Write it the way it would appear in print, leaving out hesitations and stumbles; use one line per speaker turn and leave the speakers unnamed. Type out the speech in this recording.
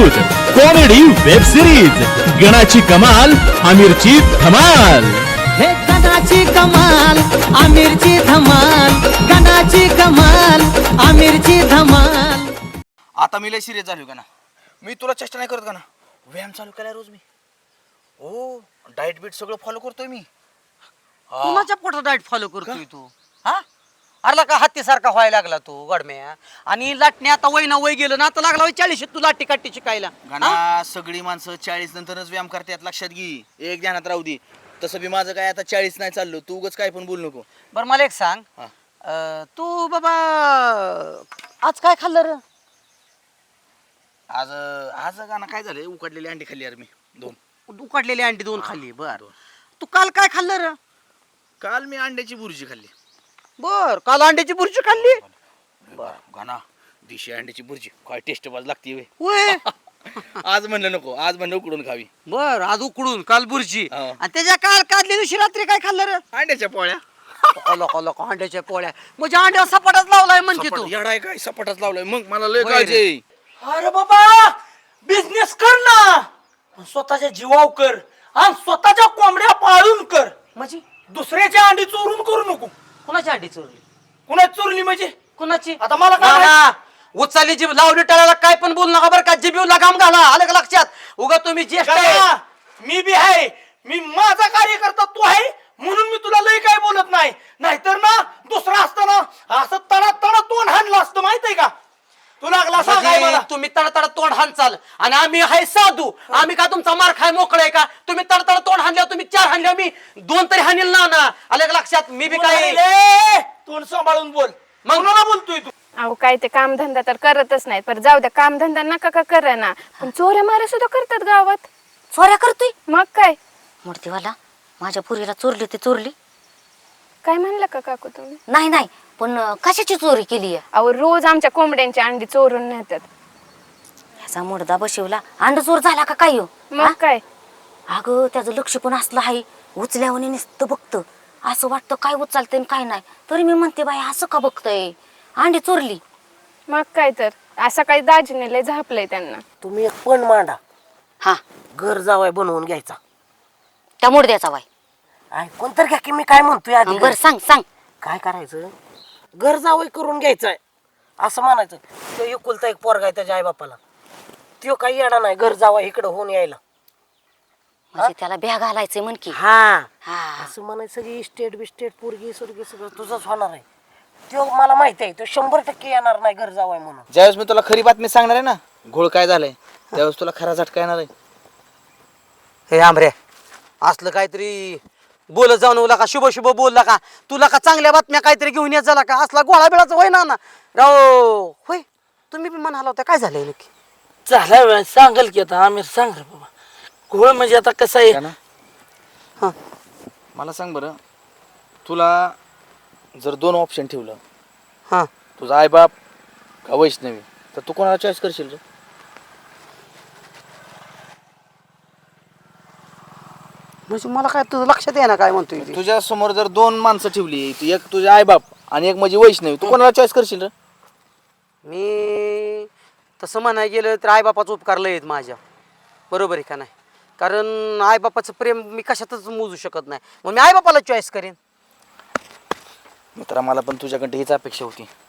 News, comedy web series, गणाची कमाल आमिरची धमाल.
हे गणाची कमाल आमिरची धमाल, गणाची कमाल आमिरची धमाल.
आता मी लय सिरियस झालो का ना. मी तुला चेष्टा नाही करत का ना. व्यायाम चालू केलाय रोज मी. हो डाएट बीट सगळं फॉलो करतोय मी.
कुणाच्या पोटात डाएट फॉलो करतोय तू? हा अरला का हत्तीसारखा व्हायला लागला तू गडम्या. आणि लाटणे आता वय ना वय गेलं ना, आता लागला 40 तू लाटी काठी शिकायला.
गाणा सगळी माणसं 40 नंतरच व्यायाम करतात, लक्षात घे. एक ध्यानात राहू दे. तसं बी माझं काय आता 40 नाही चाललो. तू उगाच काय पण बोलू नको.
बरं मला एक सांग, तू बाबा आज काय खाल्लं रे?
आज आज गाणं काय झालंय, उकडलेली अंडी खाल्ली यार मी 2.
उकडलेली अंडी 2 खाल्ली. बर तू काल काय खाल्लं रे?
काल मी अंड्याची बुर्जी खाल्ली.
बर काल अंड्याची बुर्जी खाल्ली.
गाणा दिशी अंड्याची बुर्जी काय टेस्ट बाज लागते वे.
होय
आज म्हणलं नको, आज म्हणलं उकडून खावी.
बर आज उकडून काल बुर्जी.
हा.
आणि त्याच्या काल काढल्या दिवशी रात्री काय खाल्लं रे?
अंड्याच्या पोळ्या.
लोक अंड्याच्या पोळ्या म्हणजे अंड्या सपाटाच लावलाय म्हणते तू.
येडाय काय सपाटाच लावलाय. मग मला लय
होय
काळजी आहे.
अरे बाबा बिझनेस कर ना, स्वतःच्या जीवाव कर आणि स्वतःच्या कोंबड्या पाळून कर.
म्हणजे
दुसऱ्याच्या अंडी चोरून करू नको.
कुणाची अंडी चोरली?
कुणाची चोरली म्हणजे?
कुणाची?
आता मला काय
ना,
माहित?
ना. उचाली जीभ लावली टाळायला काय पण बोल नका बरं का. जिभीला लगाम घाला, आलं का लक्षात? उगा तुम्ही ज्येष्ठ आहे.
गण्या, मी बी आहे. मी माझा कार्यकर्ता तू आहे म्हणून मी तुला लय काय बोलत नाही. नाहीतर ना दुसरा असताना असं तडा तडा तोंड हाणलं असतं, माहित आहे का? तू लागला सांगाय मला.
म्हणजे तुम्ही तडतड तोंड हाणचाल आणि आम्ही आहे साधू. आम्ही का तुमचा मार खाय मोकळे का? तुम्ही तडतड तोंड हाणल्या, तुम्ही 4 हाणल्या, मी 2 तरी हाणील ना ना. आलं का लक्षात? मी बी काय
ए, तोंड सांभाळून बोल. मग मला बोलतोय तू.
अहो काय ते कामधंदा तर करतच नाहीत. पर जाऊ द्या, कामधंदा नका का करा ना, पण चोऱ्या माऱ्या सुद्धा करतात गावात.
चोऱ्या करतोय
मग काय?
मूर्तीवाला माझ्या पुरीला चोरली ते चोरली
काय म्हणलं का काकू तुम्ही?
नाही नाही, पण कशाची चोरी केली आहे?
अहो रोज आमच्या कोंबड्यांची अंडी चोरून नेतात.
ह्याचा मुडदा बसवला, अंड चोर झाला का काय हो?
मग काय?
अगं त्याचं लक्ष पण असलं आहे, उचल्यावर नुसतं बघतं. असं वाटतं काय उचलतंय आणि काय नाही. तरी मी म्हणते बाई असं का बघतय, अंडी चोरली.
मग काय तर असं काही दाजीने लय झापलंय त्यांना.
तुम्ही एक पण मांडा,
हा
घर जावाय बनवून घ्यायचा.
त्या मुडद्याचा बाई.
ऐकून तर घ्या की मी काय म्हणतोय आधी.
बरं सांग सांग.
काय करायचं, घर जावई करून घ्यायचंय असं म्हणायचं. तो एकुलता एक पोरगा आहे त्याच्या आई बापाला. तो काही येणार नाही घर जावा इकडे होऊन यायला.
म्हणजे त्याला ब्या घालायचंय म्हण की.
हा
हा
असं म्हणायचं की इस्टेट बिस्टेट पोरगी सुरगी सगळं तुझंच होणार आहे. तो मला माहिती आहे, तो 100% येणार नाही घर जावाय म्हणून.
ज्यावेळेस मी तुला खरी बातमी सांगणार आहे ना, घोळ काय झालाय, त्यावेळेस तुला खरा झटका येणार आहे.
हे आमरे असलं काहीतरी बोलत जाऊ नका का, शुभ शुभ बोलला का, तुला का चांगल्या बातम्या काहीतरी घेऊन येत झाला का? असला गोळा बिळाचा होय ना ना राव. होय तुम्ही बी म्हणाला होता, काय झालंय नक्की?
झाला वेळ सांगाल की आता आम्ही सांग रे बाबा. घोळ म्हणजे आता कसं आहे
ना.
हा
मला सांग बरं, तुला जर 2 ऑप्शन ठेवलं,
हा
तुझा आई बाप का वैष्णवी, तर तू कोणाला चॉईस करशील रे?
म्हणजे मला काय तुझं लक्षात आहे ना काय म्हणतोय ते?
तुझ्या समोर जर 2 माणसं ठेवली, एक तुझे आई बाप आणि एक म्हणजे वैष्णवी, तू कोणाला चॉईस करशील रे?
मी तसं म्हणाय गेलं तर आईबापाचा उपकार लय आहेत माझ्या, बरोबर आहे का नाही? कारण आईबापाचं प्रेम मी कशातच मोजू शकत नाही, मग मी आईबापाला चॉईस करेन.
मित्रा मला पण तुझ्याकडे हीच अपेक्षा होती.